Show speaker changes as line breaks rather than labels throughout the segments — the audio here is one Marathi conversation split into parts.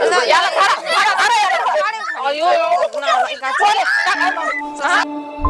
याला धरा. अयो, नाही का? हा?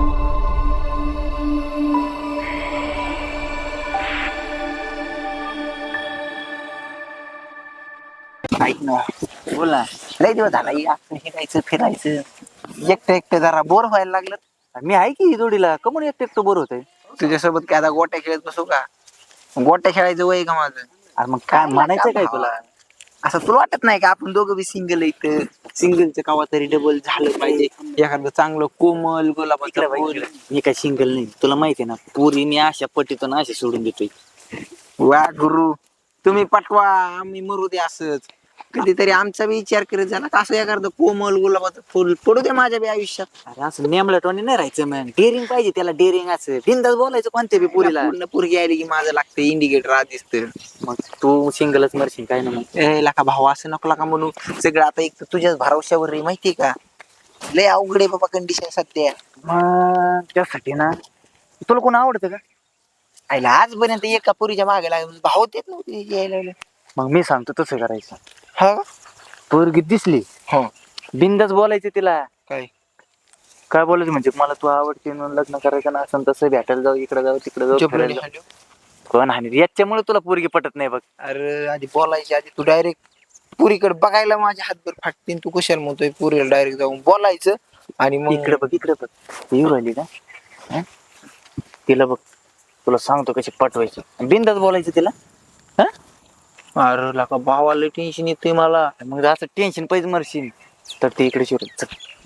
ऐक ना, बोल ना. लय दिवस झाला आपण हिंडायचं फिरायचं. एकटं जरा बोर व्हायला लागलं.
मी आहे की जोडीला. कमून एकटं बोर होतंय?
तुझ्यासोबत काय आता गोट्या खेळत बसू का? गोट्या खेळायचं वय का माझं?
अरे मग काय म्हणायचं काय तुला?
असं तुला वाटत नाही का आपण दोघं बी सिंगल इथं सिंगलचं कवा तरी डबल झालं पाहिजे. एखादं चांगलं कोमल गुलाबाचं फुल.
मी काय सिंगल नाही, तुला माहिती आहे ना. पुरी मी अशा पटीतून अशा सोडून देतोय.
वा गुरु, तुम्ही पटवा आम्ही मरू दे असंच. कधीतरी आमचा बी विचार करत झाला का असं एखादं कोमल गुलाबाचं फुल पडू दे माझ्या बी आयुष्यात.
अरे असं नेमलटवाणी नाही राहायचं मॅन. डेअरिंग पाहिजे त्याला, डेअरिंग. असं बिंदास बोलायचं कोणत्या बी पुरीला.
पूर्ण पोरगी आली की माझं लागतं इंडिकेटर आधी दिसतं.
मग तू सिंगलच मरशील काय ना. मग
लका भाऊ असं नको का म्हणू. सगळं आता एक तर तुझ्याच भरवशावर रे, माहितीये का? लय अवघड आहे बाबा कंडिशन सध्या.
मग त्यासाठी ना, तुला कोण आवडतं का?
आईला आजपर्यंत एका पुरीच्या मागे लागून भाऊ देत नव्हते यायला.
मग मी सांगतो तसं करायचं.
हा
पोरगी दिसली,
हो
बिंदास बोलायचं तिला.
काय
काय बोलायचं म्हणजे, मला तू आवडते म्हणून लग्न करायचं ना, असं तसं भेटायला जाऊ, इकडे जाऊ तिकडे जाऊ, फिरायला जाऊ. कोण हानी याच्यामुळे तुला पोरगी पटत नाही बघ.
अरे आधी बोलायची आधी तू डायरेक्ट पुरीकडे बघायला माझ्या हातभर फाटतील. तू कशाला म्हणतोय पुरीला डायरेक्ट जाऊन बोलायचं आणि मग
इकडे बघ, इकडे बघ. येऊ राहिली का? हं? तिला बघ, तुला सांगतो कशी पटवायची. बिंदास बोलायचं तिला.
अरे लका भावाला टेन्शन येतंय मला.
मग असं टेन्शन पाहिजे मरशील तर ते इकडे शिवत.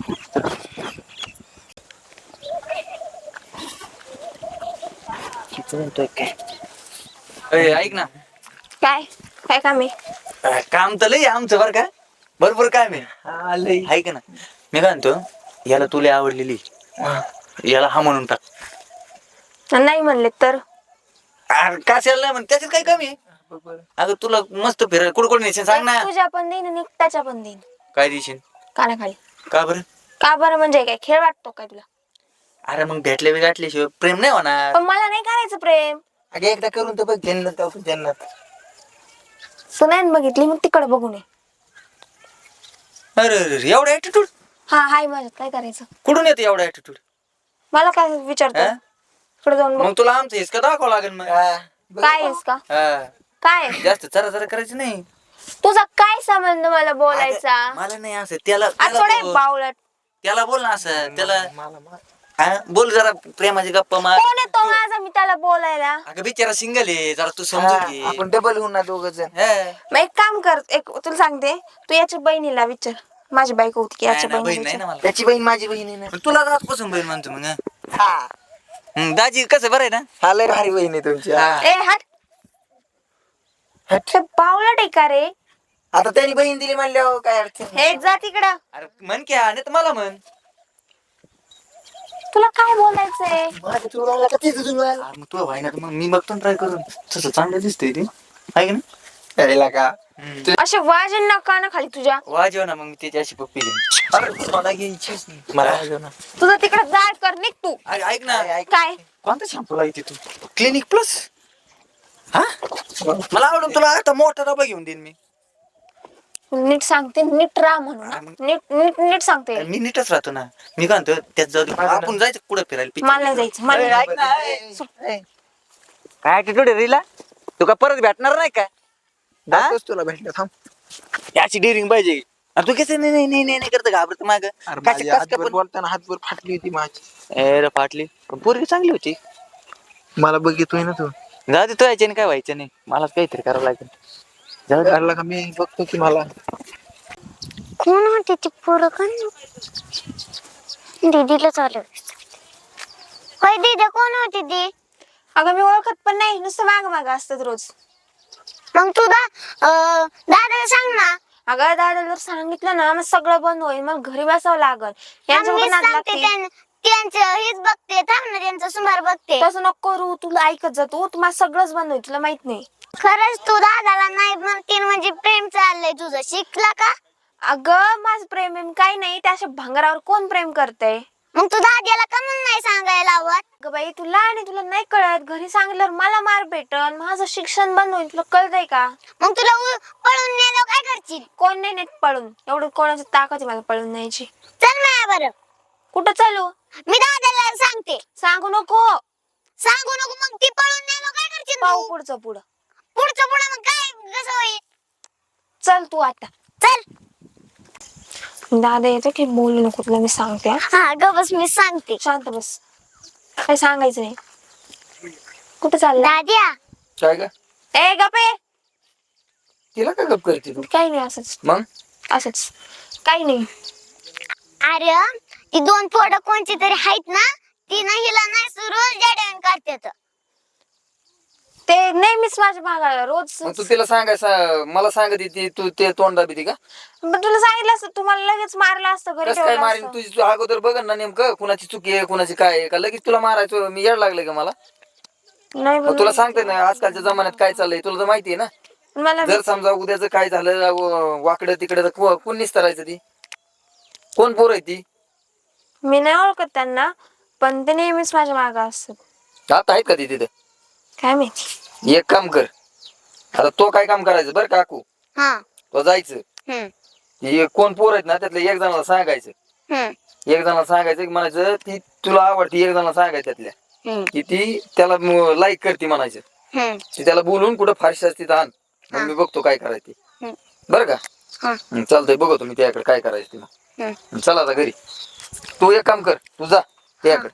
काय
ऐक ना,
काय काय काम आहे?
काम तर लय आमचं बरं का. बरोबर काय मी ऐक ना, मी काय म्हणतो, याला तुला आवडलेली, याला हा म्हणून टाक.
नाही म्हणले तर
कशाला नाही म्हण, त्याच्यात काय कमी आहे? अगं तुला मस्त फिरायला कुठं नेशील सांग ना.
तुझ्या पण देईन आणि त्याच्या पण देईन.
काय देशील?
कानाखाली.
का बरं?
का बरं म्हणजे काय खेळ वाटतो काय तुला?
अरे मग भेटले बी गाठल्याशिवाय प्रेम नाही होणार.
पण मला नाही करायचं प्रेम.
अगे एकदा करून तर बघ, जन्नत जाऊ जन्नत.
तू नाही बघितली मग तिकडे बघून ये.
अरे अरे एवढा ऍटिट्यूड
हा हाय माझ्यात काय करायचं?
कुठून येतो एवढा ऍटिट्यूड?
मला काय विचारतो?
हा?
इकडे जाऊन बघ.
मग तुला आमचं हिसका दाखवावं लागेल मग.
काय आहेस का?
हा.
काय
जास्त चरा चरा करायचं नाही.
तुझा काय संबंध मला बोलायचा?
अगं, मला नाही असं त्याला
थोडे बावळट.
त्याला बोल ना असं त्याला. हा, बोल जरा प्रेमाची गप्पा मार.
कोण आहे तो माझा मी त्याला बोलायला?
अगं बिचारा सिंगल आहे, जरा तू समजून घे.
आपण डबल होऊन ना दोघ जण.
हा.
मग एक काम कर, एक तुला सांगते, तू याच्या बहिणीला विचार. माझी बायको होती की याच्या
नाही ना,
बहिणीला
बहीण नाही ना
विचार.
मला.
त्याची बहीण माझी बहीण आहे ना.
पण तुला आजपासून बहीण म्हणतो मग.
हा
दाजी कसं बरं आहे ना?
हा लय भारी बहीण आहे तुमची.
हा.
ए हट. ते बावळट आहे का रे?
आता त्यांनी बहीण दिली म्हणल्यावर काय अडचण.
हे जा तिकडं.
अरे म्हण की, नाही तर मला म्हण.
तुला काय बोलायचंय?
माझ्या तुला का तिथं तुला
मग तू व्हाय ना, मग मी बघतो ट्राय करून. तसं चांगलं दिसतंय ते, आहे ना?
यायला का?
असे वाजन ना काना खाली तुझ्या.
वाजव ना, मग मी त्याची अशी पप्पी देईन.
अरे मला घ्यायचीच नाही. मला वाजव ना.
तुझं तिकडे जाळ कर निघ तू.
ऐक ना,
काय
कोणता शॅम्पू लागते तू? Clinic plus. हा, मला आवडून तुला आता मोठा डबा घेऊन देईन मी.
नीट सांगते, नीट राहा म्हणून. नीट नीट नीट सांगते.
मी नीटच राहतो ना. मी काय म्हणतो, त्यात जाऊ दे. आपण जायचं कुठं फिरायला? picture?
मला नाही जायचं. मला नाही.
ऐक ना, काय ऍटिट्यूड आहे रीला? तू का परत भेटणार नाही काय?
जातोच तुला भेटलं थांब.
याची डेअरिंग पाहिजे. अरे तू कसं नाही नाही नाही नाही करत, घाबरत माग.
अरे माझी हातभर बोलताना हातभर फाटली होती माझी.
रे फाटली, पण पोरगी चांगली होती.
मला बघितोय ना तू.
जाऊ दे, तो याच्याने काय व्हायचं नाही. मलाच काहीतरी करावं लागेल. जाऊ दे.
अरे का मी बघतो की मला.
कोण होती ती पोरं का? दीदीला चालू. होय दीदी, कोण होती ती?
अगं मी ओळखत पण नाही, नुसतं माग माग असतात रोज.
मग तू दादाला सांग ना.
अगं दादा जर सांगितलं ना, मग सगळं बंद होईल. मग घरी बसावं लागल.
मी सांगते त्यांचं हेच बघते. थांब ना, त्यांचा सुमार बघते.
तसं नको करू. तुला ऐकत जातो, तुम्हाला सगळंच बंद होईल. तुला माहित नाही.
खरंच तू दादाला नाही म्हणते म्हणजे प्रेम चाललंय तुझं. शिकला का?
अगं माझं प्रेम काही नाही. त्या अशा भांगरावर कोण प्रेम करतय?
मग तू दाद्याला का म्हणून नाही सांगायला लावत?
ग बाई तू लहान आहे, तुला नाही कळत. घरी सांगितल्यावर मला मार भेटन, माझं शिक्षण बंद होईल. तुला कळतंय का?
मग तुला पळून नेलं काय करशील?
कोण नाही नेत पळून. एवढं कोणाची ताकद आहे मला पळून न्यायची.
चल माया बरं,
कुठं चालू?
मी दाद्याला सांगते.
सांगू नको.
सांगू नको, मग ती पळून नेलं काय करशील
पाहू
तू?
पुढचं पुढं.
पुढचं पुढं मग काय कसं होईल?
चल तू आता.
चल.
दादा येतो की बोलू नको, तुला मी सांगते हा.
हा ग बस, मी सांगते.
शांत बस, काही सांगायचं नाही. कुठं चालला?
दाद्या,
काय का
ए गपे.
तिला काय गप करते तू?
काही नाही, असंच
मग
असंच काही नाही.
अरे ती दोन पोरं कोणची तरी आहेत ना, ती ना हिला नाही रोज जडण करतात.
ते नेहमीच माझ्या भागाला रोज.
मग तू तिला सांगायचं, मला सांगत ती तू ते तोंड दाबी का?
पण तुला सांगितलं असतं, तुम्हाला लगेच मारलं असतं, घरी
कसं काय
ठेवलं
मारीन?
असतं.
तुझी तू अगोदर बघ ना नेमकं कुणाची चुकी आहे कुणाची काय आहे का लगेच तुला मारायचं मी येड लागलं का मला?
नाही
मग तुला सांगते ना आजकालच्या जमान्यात काय चाललंय तुला तर माहिती आहे ना.
मला
जर समजा उद्याचं काय झालं वाकडं तिकडं तर कोण निस्तरायचं ती? कोण पोर आहे ती?
मी नाही ओळखत त्यांना, पण ते नेहमीच माझ्या मागं असतात.
आता आहेत का ती तिथे?
काय माहिती.
एक काम कर, आता तो काय काम करायचं बरं काकू,
हा.
तो जायचं
हम्म.
हे कोण पोर आहेत ना त्यातल्या एक जणाला सांगायचं.
हम्म.
एक जणाला सांगायचं की म्हणायचं ती तुला आवडती, एक जणाला सांगायचं त्यातल्या
हम्म.
की ती त्याला लाईक करते म्हणायचं.
हम्म.
ती त्याला बोलून कुठं फारशी असते आण, मग मी बघतो काय करायचं ते.
हम्म.
बरं का?
हा.
चालतंय, बघतो मी त्याकडे काय करायचं ते. मग
हम्म.
चला आता घरी. तू एक काम कर, तू जा त्याकडे.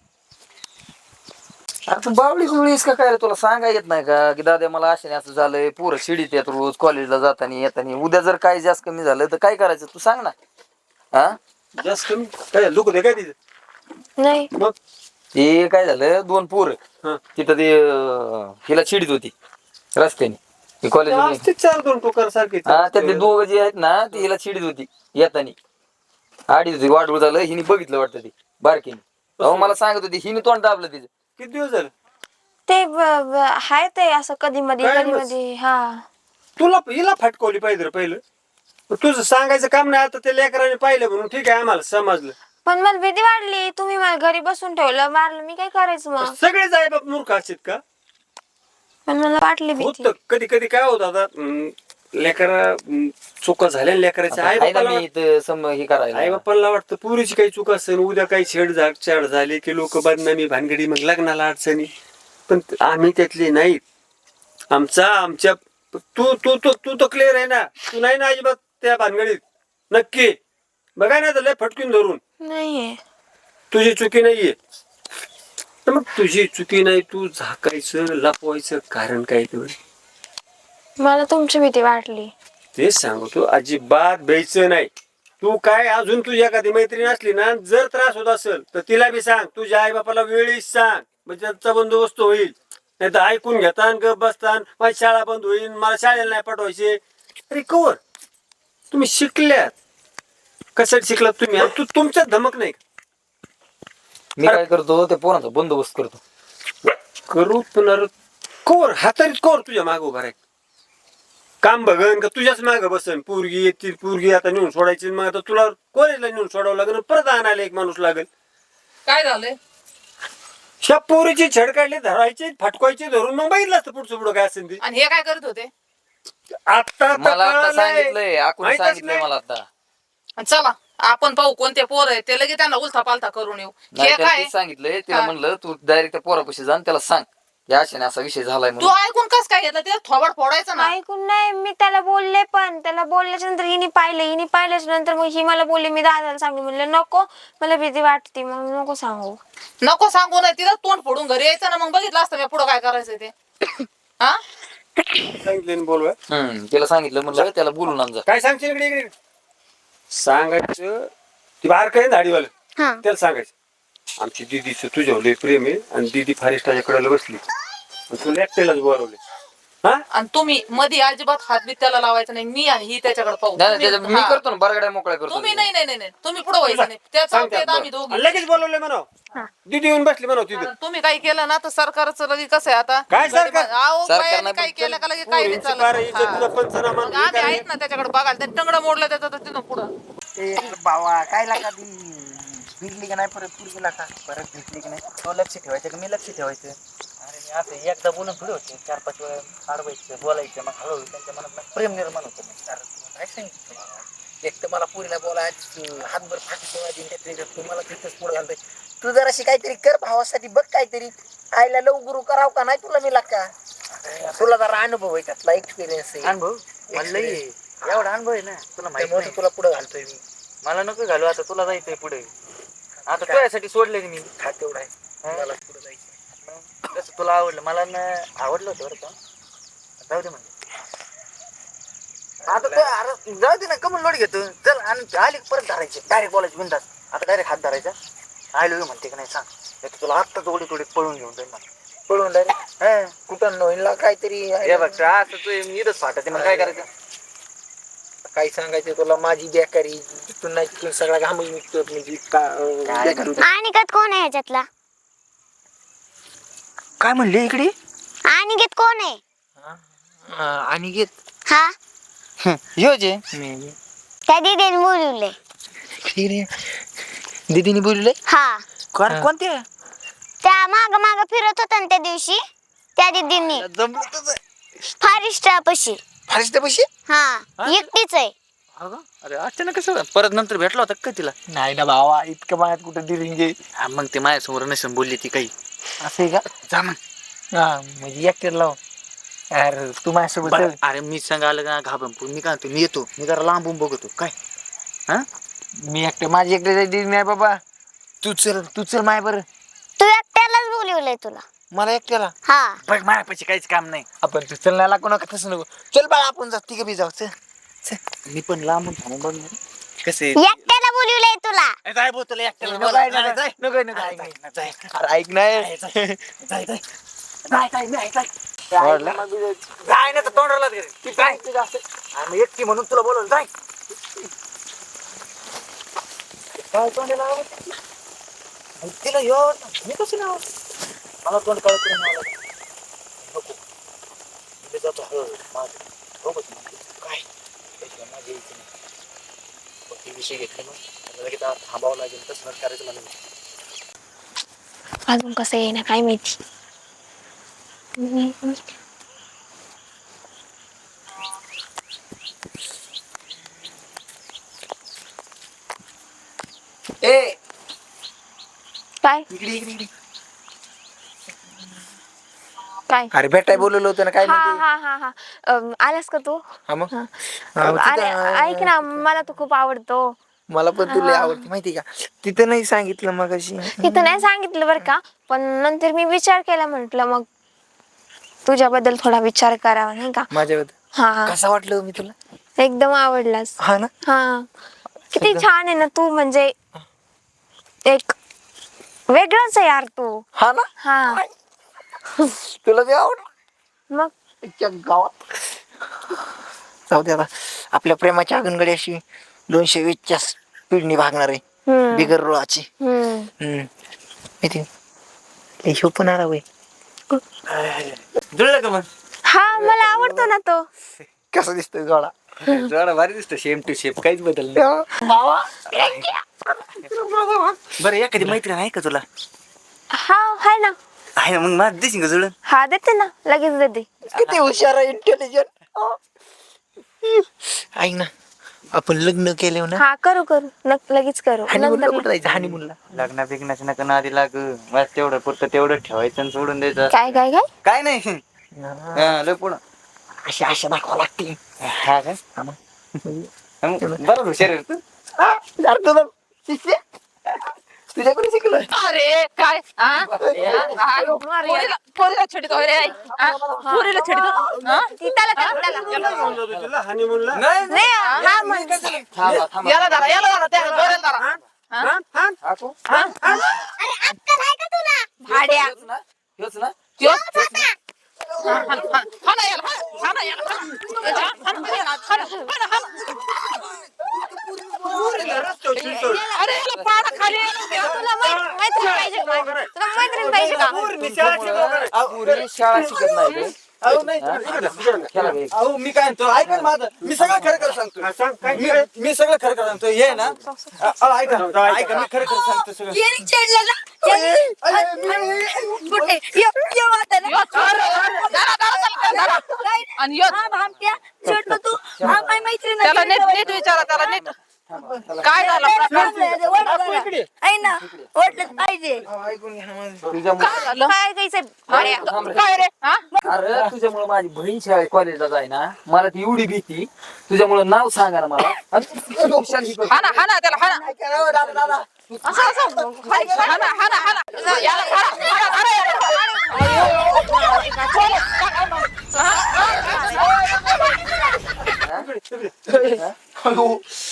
अरे तू बावळी गुळीस का काय रे? तुला सांगायला येत नाही का की दादा मला अशाने असं झालंय, पोरं शिडीत येत रोज कॉलेजला जाताना येताना. उद्या जर काय जास्त कमी झालं तर काय करायचं तू सांग ना. हा
जास्त कमी काय लोक काय तिथे
नाही.
मग
ते काय झालं, दोन पोरं
हा.
तिथं ते हिला शिडीत होती रस्त्याने कॉलेज.
असते चार दोन टोकार सारखे
हा त्यातले दोघं जे आहेत ना ती हिला चिडीत होती येताना. आडीच होती, वाढवळ झालं, हिने बघितलं वाटतं ती बारकीने. अहो मला सांगत होती हिने तोंड दाबलं तिचं.
किती दिवस झाले
ते हाय ते असं कधी मध्ये
काय
कधी
बस?
मध्ये. हा
तुला हिला फटकवली पाहिजे रे पहिलं. पण तुझं सांगायचं काम नाही, आता ते लेकराने पाहिलं म्हणून ठीक आहे आम्हाला समजलं.
पण मला भीती वाटली, तुम्ही मला घरी बसून ठेवलं, मारलं, मी काय करायचं मग?
सगळेच आई बाप मूर्ख असतात का?
पण मला वाटली भीती.
होत कधी कधी काय होत आता लेकरा चुका झाल्या लेकराच्या आई
आहे ना
बापाला
मी इथं हे
आई
करायला.
बापाला वाटतं पुरीची काही चूक असेल, उद्या काही छेड झाली की लोक बदनामी भानगडी मग लग्नाला अडचणी. पण आम्ही त्यातले नाहीत. आमच्या तू तू तू तू तर क्लिअर आहे ना, तू नाही ना अजिबात त्या भानगडीत. नक्की बघा ना तर लय फटकून धरून
नाहीये.
तुझी चुकी नाहीये. तर मग तुझी चुकी नाही, तू झाकायचं लपवायचं कारण काय तेवढं?
मला तुमची भीती वाटली.
तेच सांगतो, अजिबात भ्यायचं नाही. तू काय अजून तुझी एखादी मैत्रीण असली ना, जर त्रास होत असेल तर तिला बी सांग, तुझ्या आई बापाला वेळीच सांग, म्हणजे त्याचा बंदोबस्त होईल. नाही तर ऐकून घेतान गप बसतान, माझी शाळा बंद होईल, मला शाळेला नाही पाठवायचे. अरे कवर तुम्ही शिकल्यात, कशात शिकलात तुम्ही? आणि तुमच्यात धमक नाही का?
मी काय करतो ते पोरांचा बंदोबस्त करतो.
करू पुन्हा कवर हातारीत कवर तुझ्या माग उभा राह. काम बघन का तुझ्याच माग बसन? पोरगी येतील, पोरगी आता नेऊन सोडायची, मग आता तुला कॉलेजला नेऊन सोडावं लागेल, परत आणायला एक माणूस लागेल.
काय झालंय?
ह्या पोरीची छेड काढली, धरायची फटकायची धरून, मग बघितलं असतं पुढचं पुढं काय असेल ते.
आणि हे काय करत होते?
आता
मला आता सांगितलंय, आकून सांगितलंय मला आता.
आणि चला आपण पाहू कोणते पोर आहे ते, लगेच त्यांना उलथा पालथा करून येऊ.
नाही
हे
त्याला
काय
तेच सांगितलंय, तिला
हा.
म्हणलं तू डायरेक्ट त्या पोरापाशी जा आणि त्याला सांग या अशाने असा विषय झालाय
तू
म्हणून.
ऐकून कस काय घेतलं? ते थोबड फोडायचं ना.
ऐकून नाही, मी त्याला बोलले, पण त्याला बोलल्याच्या नंतर हिने पाहिल्याच्या नंतर मग ही मला बोलली, मी दादाला सांगली. म्हणलं नको, मला भीती वाटते, मग नको सांगू.
नको सांगू नाही, तिथं तोंड फोडून घरी यायचं ना, मग बघितलं असतं मी पुढं काय करायचं ते. हा
सांगितलं बोलवा.
तिला सांगितलं म्हणलं त्याला बोलून आण जा.
काय सांगशील इकडे इकडे? सांगायचं ती बाहेर काय दाढीवालं,
हा.
त्याला सांगायचं आमची दीदीचं तुझ्यावर लय प्रेम आहे आणि दीदी फारिस्टाच्या कडेला बसली, तुला एकट्यालाच बोलावले. हा
आणि तुम्ही मध्ये अजिबात हात बीत त्याला लावायचं नाही. मी आणि ही त्याच्याकडे पाहू.
नाही, नाही,
तुम्ही-
मी
हा.
करतो ना बरगड्या मोकळ्या करतो.
तुम्ही नाही नाही नाही नाही. तुम्ही पुढे व्हायचं नाही. त्याचा
सांगते
उपयोग आम्ही
बरं.
दोघी.
आणि लगेच बोलवले म्हणा, दीदी येऊन बसली म्हणा तिथं.
कारण तुम्ही काही केलं ना तर सरकारचं लगेच कसं आहे आता?
काय सरकार?
अहो,
सरकार
बायांनी
नाही,
काही
पण
केलं का लगेच काही नाही
पोरींची बारा
चालत.
इज्जतीचा
हा.
पंचनामा
मग आम्ही आहेत ना त्याच्याकडे बघायला. ते टंगडं मोडलं त्याचं तर तिथं पुढं.
बाबा काय लागा भिडली का नाही परत पुरगीला का?
परत भेटली की नाही तो लक्ष ठेवायचं का मी लक्ष ठेवायचं? अरे मी असं एकदा बोलून थोडी होते 4-5 वेळा अडवायचं बोलायचं मग हळूहळू त्यांच्या मनात प्रेम निर्माण होतं. मग
अरे तुला काय सांगितलं मला? एक तर मला पुरीला बोलायचं हातभर फाटी तुम्हाला तिथंच पुढे घालतोय. तू जराशी काहीतरी कर भावासाठी बघ काहीतरी. आईला लव गुरु कराव का नाही तुला मी का? तुला जरा अनुभव आहे त्यातला एक्सपिरियन्स आहे.
अनुभव मला लई आहे. एवढा अनुभव आहे ना तुला माहिती
त्यामुळे
नाही.
तुला पुढे घालतोय मी.
मला नको घालू आता तुला जायचंय पुढे. आता तुझ्यासाठी सोडले मी.
हा तेवढा आहे मला पुढे जायचं.
कसं तुला आवडलं मला आवडलं होतं बरं का. जाऊ दे म्हणजे आता अरे जाऊ दे ना कमल लोड घेतो चल आणि आली परत धरायचे डायरेक्ट बोलायचे बिंदास. आता डायरेक्ट हात धरायचा आय लव्ह म्हणते की नाही सांग. नाही तुला आत्ता थोडी थोडी पळून घेऊन जाईल मला.
पळून डायरेक्ट कुठं नवीनला काहीतरी
हे बघ असं तू इथंच फाटते मग काय करायचं.
काही सांगायचं तुला माझी बेकारी तिथून नाही तिथून सगळा घाम निघतो बेकार होतो.
अनिकेत कोण आहे ह्याच्यातला?
काय म्हणले इकडे?
अनिकेत कोण आहे?
आणि घेत
हा
यो जे
त्या दीदीने बोलवले.
दीदीने बोलले
हा
कोणते
त्या माग माग फिरत होता ना त्या दिवशी त्या दीदींनी फारिस्टापाशी.
फारच पैसे
हा एकटीच आहे.
अरे अचानक कसं परत नंतर भेटला होता का तिला?
नाही ना भावा इतकं माझ्यात कुठं दिरिंगे
हा मग ते माझ्यासमोर नसून बोलली ती काही.
असं आहे का?
जा मग.
हा म्हणजे ऍक्टर लाव. अरे तू माझ्यासोबत
बरं,
चल.
अरे मी सांग आलं का घाबरून मी काय म्हणतो मी येतो मी जरा लांबून बघतो काय. हा
मी एकटं माझी एकटे नाही बाबा. तू चल माय बरं.
तू एकट्यालाच बोलवलंय तुला.
मला एकट्याला
हा
बघ माझ्यापाशी काहीच काम नाही.
आपण तू चल नाही लागू नका तसं नको. चल बाळा आपण जाऊ तिघं बी जाऊ चल.
मी पण लांबून थांबून बघणार कसे
एकट्याला बोलवलंय तुला.
जाय भाऊ तुला एकट्याला
नको
बोला.
ऐक ना,
जाय,
नको नको ऐक ना. अरे ऐक नाही
जाय, जाय. जाय, जाय, मी ऐक, जाय. जाय ना तर तोंडाला दे. ती जाय. आम्ही एकटी म्हणून तुला बोलवलं जाय. काय तोंडाला आवडतं? तिला ह्यो आवडतं. मी कसं नाही आवडत? मला तोंड काळ करून आवडत नको. मी जातो हळूहळू माझं बघत काय त्याशिवाय माझी यायची नाही. मग ते विषय घेतले मग लगेच थांबावं लागेल तसं करायचं मला.
अजून कसं येईना काय माहिती.
ए
काय
इकडे इकडे इकडे.
काय
अरे भेटाय बोलवलं होतं ना काय
हा
म्हणते?
हा हा हा आलास का तू?
हा मग
हा.
हा, मग
अरे
तिथं-
ऐक ना मला तो खूप आवडतो.
मला पण तुला आवडते माहिती का? तिथं नाही सांगितलं मग अशी.
तिथं नाही सांगितलं बरं का पण नंतर मी विचार केला म्हटलं मग तुझ्याबद्दल थोडा विचार करावा नाही का.
माझ्याबद्दल
हा
कसं वाटलं मी तुला?
एकदम आवडलास.
हा ना.
हा किती छान आहे ना तू म्हणजे एक वेगळंच आहे यार तू.
हा ना.
हा
तुला बी आवडलं
मग
इतक्या गावात. जाऊ दे आता आपल्या प्रेमाच्या आगनगडी अशी 220च्या स्पीडनी भागणार आहे
हम्म.
बिगर रुळाची.
हम्म.
माहिती हिशोब पण आला वय.
जुळलं का मग?
हा मला आवडतो ना तो.
कसा दिसतोय जोडा?
जोडा भारी दिसतो सेम टू शेप काहीच बदल
बाबा
बरं एखादी मैत्रीण आहे का तुला?
हा आहे ना.
आहे ना मग माझं देशील का जुळून?
हा देते ना लगेच देते.
किती हुशार आहे इंटेलिजंट. ऐक ना आपण लग्न केले ना.
हा करू करू लगेच करू
हनीमूनला
नंतर
कुठं जायचं? हनीमूनला
लग्ना बिग्नाच्या नका नादी लाग बस तेवढं पुरतं तेवढं ठेवायचं आणि सोडून द्यायचं.
काय काय काय
काय नाही हा, लय पुढं
अशी आशा दाखवा लागते.
हा काय बरं हुशार आहे रे तू.
तुझ्याकडे शिकलोय.
अरे काय हा? पोरीला छेडतो होय रे आई. हा? पोरीला छेडतो हा?
तुला हनीमूनला
नाही हा म्हणजे
याला धरा त्या जोड्याला धरा हा?
अरे अक्कल आहे का तुला?
भाड्या
त्यो? हा ना याला हा ना याला अरे याला पाडा खाली
तुला मैत्रीण पाहिजे का? तुला मैत्रीण पाहिजे का?
शाळा शिकत नाही अहो नाही अहो मी काय म्हणतो ऐका ना माझं मी सगळं खरं खरं सांगतो
हा, सांग काय काय?
मी सगळं खरं खरं सांगतो ये ना अहो, ऐका ऐका मी खरं खरं सांगतो सगळं
आणि यो, त्याला नीट नीट विचारा त्याला नीट काय झालं
पाहिजे
काय झालं
काय गायचं
काय रे हा
अरे तुझ्यामुळे माझी बहीण शाळेत कॉलेजला जाय ना मला ती एवढी भीती तुझ्यामुळे नाव सांगा ना मला आणि तू खुशाल ही करतो.
हा ना त्याला हा ना असं हा ना याला हाणा याला.